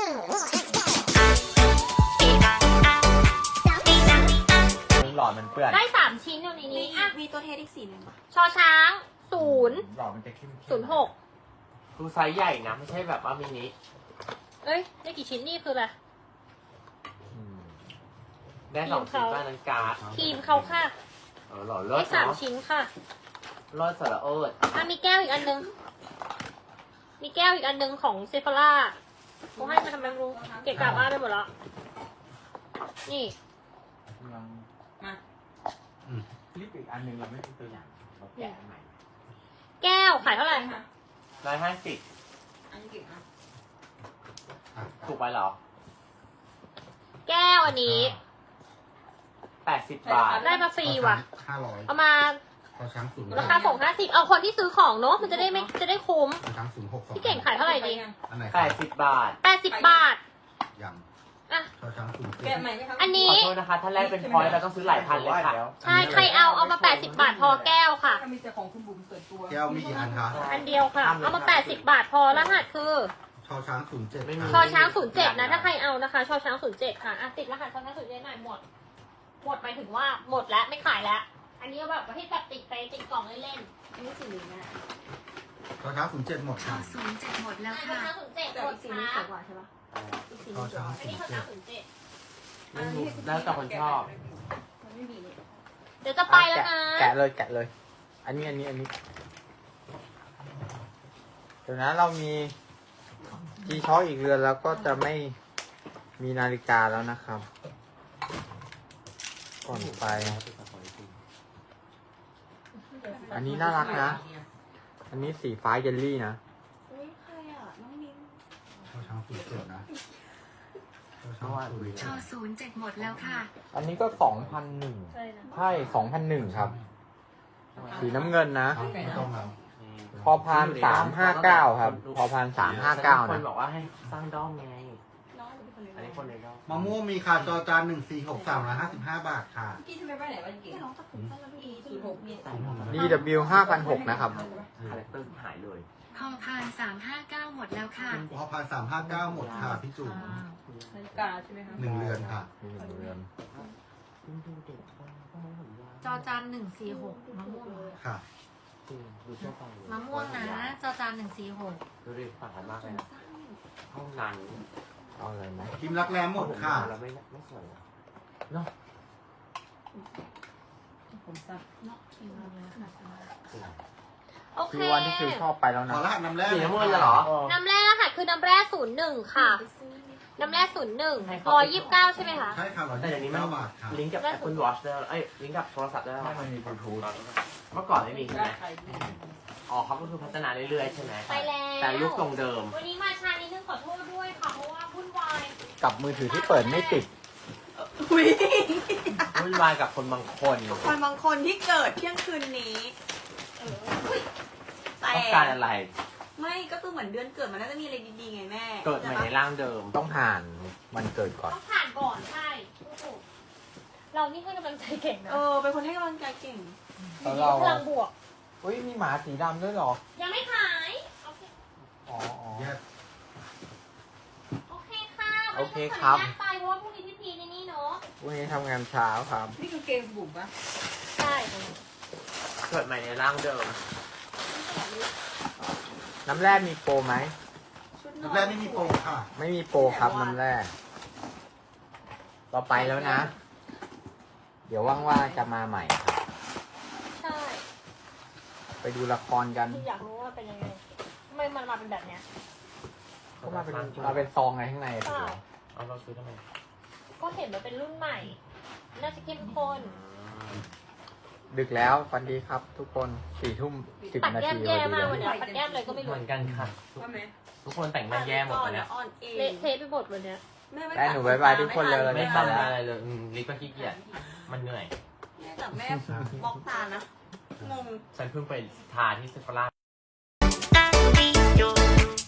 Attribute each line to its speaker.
Speaker 1: หลอดมันเปื้อน
Speaker 2: ได้3 ชิ้นอยู่ในนี้อ่ะ
Speaker 3: มีตัวเทสอีกสีหนึ่งป่ะ
Speaker 2: ชอช้าง
Speaker 1: หลอดมันจะเข้มๆ
Speaker 2: 06
Speaker 4: ดูไซส์ใหญ่นะไม่ใช่แบบว่ามินิ
Speaker 2: เอ้ยได้กี่ชิ้นนี่คืออะไร
Speaker 4: ได้2 ชิ้นบ้านนั้นการ์ด
Speaker 2: ครีมเขาค่ะ
Speaker 4: หล่อเลิ
Speaker 2: ได้
Speaker 4: ศเนาะ
Speaker 2: 3 ชิ้นค่ะ
Speaker 4: เลิศสระเอิด
Speaker 2: อ่ะมีแก้วอีกอันนึงมีแก้วอีกอันนึงของเซฟาร่าเขาให้มาทำไมไม่รู้เกะกะบ้านไปหมดแล้วนี่
Speaker 3: มา
Speaker 1: คลิปอีกอันหนึ่งเราไม่เป็นตัวอย่างเราแกะใหม่
Speaker 2: แก้วขายเท่าไหร่
Speaker 3: ค่ะ
Speaker 4: 150
Speaker 3: อันนี้กี่อ่ะ
Speaker 4: ถูกไปเหรอ
Speaker 2: แก้วอันนี้
Speaker 4: 80 บาท
Speaker 2: ได้มาฟรีว่ะ
Speaker 5: 500
Speaker 2: เอามา
Speaker 5: พอช้างศูนย์
Speaker 2: ราคาส่ง50เอาคนที่ซื้อของเนอะมันจะได้ไม่จะได้คุ้ม
Speaker 5: พอช้างศูนย์6
Speaker 2: พี่เก่งขายเท่าไหร่ดี
Speaker 5: อันไหน
Speaker 4: 80 บาท
Speaker 2: 80 บาท
Speaker 5: ยัง
Speaker 2: อ่ะ
Speaker 5: พอช้างศูนย์
Speaker 3: แกะใหม่ไหมคะ
Speaker 2: อัน
Speaker 4: ข
Speaker 2: นี้
Speaker 4: อโทษนะคะถ้าแรกเป็นพอยต์เราต้องซื้อหลายพันเลยค่ะ
Speaker 2: ใช่ใครเอามา80 บาทพอแก้วค่ะ
Speaker 3: มีแต่ของคุณบุ๋มส่วนตัว
Speaker 5: แก้วมีกี่อันคะ
Speaker 2: อันเดียวค่ะเอามา80 บาทพอรหัสคือ
Speaker 5: ชอช้าง07
Speaker 4: ไม่มี
Speaker 2: ชอช้าง07นะถ้าใครเอานะคะชอช้าง07ค่ะอ่ะติดรหัสชอช้าง07หน่อยหมดหมายถึงว่าหมดแล้วไม่ขายแล้ว อันนี้แบบประเภทแบบติดไปติดกล่องเล่น
Speaker 3: อันนี้สีเหลืองนะ
Speaker 5: ชอช้าง07หมดค่ะ
Speaker 2: 07หมดแล้วค่ะชอช้าง07
Speaker 3: แต่
Speaker 2: หม
Speaker 3: อี
Speaker 2: ด
Speaker 3: กสีนี้
Speaker 2: ค่ะ
Speaker 3: สวยกว่าใช่ปะอีกสี
Speaker 5: ชอ
Speaker 3: นี้สวย
Speaker 5: ช้าง
Speaker 2: อันนี้ชอช้าง07
Speaker 4: ไม่รู้แล้วแต่คนชอบ
Speaker 3: มันไม่มีนี่
Speaker 2: เดี๋ยวจะไปแล้วนะ
Speaker 1: แกะเลย อันนี้ เดี๋ยวนะเรามี G-Shock อีกเรือนแล้วก็จะไม่มีนาฬิกาแล้วนะครับ ก่อนไป อันนี้น่ารักนะ อันนี้สีฟ้าเยลลี่นะ
Speaker 3: เฮ้ยใครอ่ะน้องมิ้น
Speaker 5: ชอช้าง07นะชอช้าง
Speaker 6: ชอ07หมดแล้วค่ะ
Speaker 1: อันนี้ก็ 2,001
Speaker 2: ใช่นะ
Speaker 1: ใช่ 2,001 ครับ สีน้ำเงินนะ
Speaker 5: ไม่ต้องแล้ว
Speaker 1: พอพาน359 ครับ พอพาน359
Speaker 4: คน
Speaker 1: นะ
Speaker 4: บอกว่าให้สร้างด้อมไง
Speaker 3: น้องหรือเป็นคนเลี้ยง
Speaker 4: อันนี้คนในด้อม
Speaker 5: มะม่วงมีค่ะจอจาน146 355 บาทค่ะ
Speaker 3: พี่ทำไมไปไหนวันเก่งน้องตะกุ่มตั้งแต่ปี06มี
Speaker 1: DW 5,600 นะครับ
Speaker 4: คาแรคเตอร์หายเลย
Speaker 6: พอพาน359หมดแล้วค่ะ
Speaker 5: พอพาน359หมดค่ะพี่จุ๋ม
Speaker 3: นาฬิกาใช่ไหมคะ
Speaker 5: 1 เรือนค่ะ
Speaker 1: มีหนึ่งเรือน
Speaker 2: จอจาน146มะม่วง
Speaker 5: ค่ะ
Speaker 4: ดูทั่วไปเลย
Speaker 2: มะม่วงนะจอจาน146
Speaker 4: ดูดิต่างกันมากเลยนะห้องนั้น
Speaker 1: เอาเลยไหม
Speaker 5: พิมพ์รักแร้หมดค่ะ
Speaker 4: แล้วไม่สวยเนาะ
Speaker 3: ผมสั้น
Speaker 2: โอเค
Speaker 1: คือวันที่คือชอบไปแล้ว
Speaker 5: ข
Speaker 1: นะ
Speaker 5: อรหัสน้ำแร่
Speaker 4: สีน้ำเงินเหรอ
Speaker 2: น้ำแร่รหัสคือน้ำแร่01ค่ะ น้ำแร่01 129ใช่ไหมคะ
Speaker 5: ใช่ค่ะ129
Speaker 4: แต่อย่างนี้มัน
Speaker 5: บาทค่ะ
Speaker 4: ลิงก์กับ Apple Watch ได้แล้วลิงก์กับโทรศัพท์ได้แล้ว
Speaker 1: ให้มันมีบลูทูธ
Speaker 4: เมื่อก่อนไม่มีใช่ไหม
Speaker 3: ใคร
Speaker 4: อ๋อเขาก็คือพัฒนาเรื่อยๆใช่ไหม
Speaker 2: ไปแล้ว
Speaker 4: แต่ยุคทรงเดิม
Speaker 2: วันนี้มาช้านิดนึงขอโทษด้วยค่ะ เพราะว่าวุ่นวาย
Speaker 1: กับมือถือที่เปิดไม่ติด
Speaker 3: อุ้ย
Speaker 4: วุ่นวายกับคนบางคน
Speaker 3: คนบางคนที่เกิดเที่ยงคืนนี้แต่
Speaker 4: ต้องการอะไร
Speaker 3: ไม่ก็คือเหมือนเดือนเกิดมันน่าจะมีอะไรดีๆไงแม่
Speaker 4: เกิดใหม่ในร่างเดิม
Speaker 1: ต้องผ่านวันเกิดก่อน
Speaker 2: ต้องผ่านก่อนใช่โอ้โหเรานี่ให้กำลังใจเก่งนะ
Speaker 3: เป็นคนให้กำลังใจเก่ง
Speaker 1: แล้วเรา
Speaker 2: พลังบวก
Speaker 1: อุ้ยมีหมาสีดำด้วยเหรอ
Speaker 2: ยังไม่ขายโอเค
Speaker 1: อ๋อ
Speaker 5: แยก
Speaker 2: โอเคค่ะ
Speaker 1: โอเคครับ
Speaker 2: วันนี้ขออนุญาตไปเพราะว่าพรุ่งนี้พี่พีในนี่เนาะ
Speaker 1: วันนี้ทำงานเช้าครับ
Speaker 3: นี่คือเกมบุ๋มปะ
Speaker 2: ใช่
Speaker 4: เกิดใหม่ในร่างเดิม
Speaker 1: น้ำแร่มีโปรไหม
Speaker 3: ชุดนอน
Speaker 5: น้ำแร่ไม่มีโปรค่ะ
Speaker 1: ไม่มีโปรครับน้ำแร่เราไปแล้วนะ เดี๋ยวว่างๆจะมาใหม่ครับ
Speaker 2: ใช่
Speaker 1: ไปดูละครกัน
Speaker 2: คืออยากรู้ว่าเป็นยังไงทำไมมันมาเป็นแบบเนี้ย
Speaker 1: ก็มาเป็นซองไงข้างในอะถูกไหม
Speaker 4: เอาเราซื้อทำไม
Speaker 2: ก็เห็นมันเป็นรุ่นใหม่ น่าจะเข้มข้น
Speaker 1: ดึกแล้วฟันดีครับ ทุกคน4:10
Speaker 2: ปัด
Speaker 1: นา
Speaker 2: แก้ม
Speaker 1: ที
Speaker 2: แย่
Speaker 1: พอดี
Speaker 2: มาก
Speaker 1: เล
Speaker 2: วัน
Speaker 1: ย
Speaker 2: เนี้ยปัดแก้มเลยก็ไม่
Speaker 4: เห
Speaker 2: รู้
Speaker 4: มือนกันค่ะ
Speaker 3: ว่าไหม
Speaker 4: ทุกคนแต่งหน้าแย่หมดเลยนะ
Speaker 3: อ่อนเอง
Speaker 2: เละเทะไปหมดวันเนี้ย
Speaker 3: แม่ไม่
Speaker 1: แม่หนูบ๊ายบายทุกคนเลย
Speaker 4: ไม่ทำอะไรเลยลิปก็ขี้เกียจมันเหนื่อย
Speaker 3: แม่แต่แม่บล็อกตานะ งง
Speaker 4: ฉันเพิ่งไปทาที่เซฟาร่า